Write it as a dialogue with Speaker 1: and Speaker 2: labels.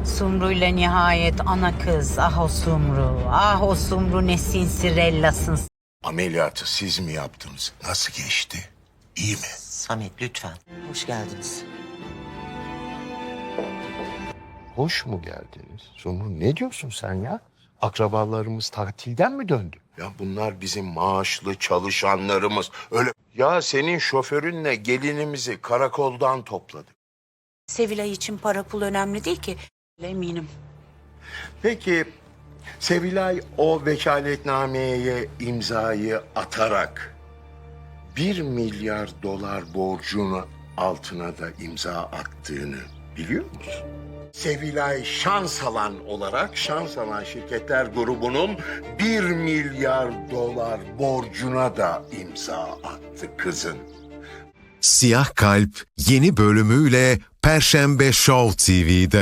Speaker 1: Sumru ile nihayet ana kız. Ah o Sumru. Ah o Sumru ne sinsirellasın.
Speaker 2: Ameliyatı siz mi yaptınız? Nasıl geçti? İyi mi?
Speaker 3: Samet lütfen. Hoş geldiniz.
Speaker 2: Hoş mu geldiniz? Sumru ne diyorsun sen ya? Akrabalarımız tatilden mi döndü? Ya bunlar bizim maaşlı çalışanlarımız. Öyle. Ya senin şoförünle gelinimizi karakoldan topladı.
Speaker 1: Sevilay için para pul önemli değil ki. Eminim.
Speaker 2: Peki Sevilay o vekaletnameye imzayı atarak 1 milyar dolar borcunu altına da imza attığını biliyor musun? Sevilay Şansalan olarak Şansalan Şirketler Grubu'nun 1 milyar dolar borcuna da imza attı kızın.
Speaker 4: Siyah Kalp yeni bölümüyle Perşembe Show TV'de.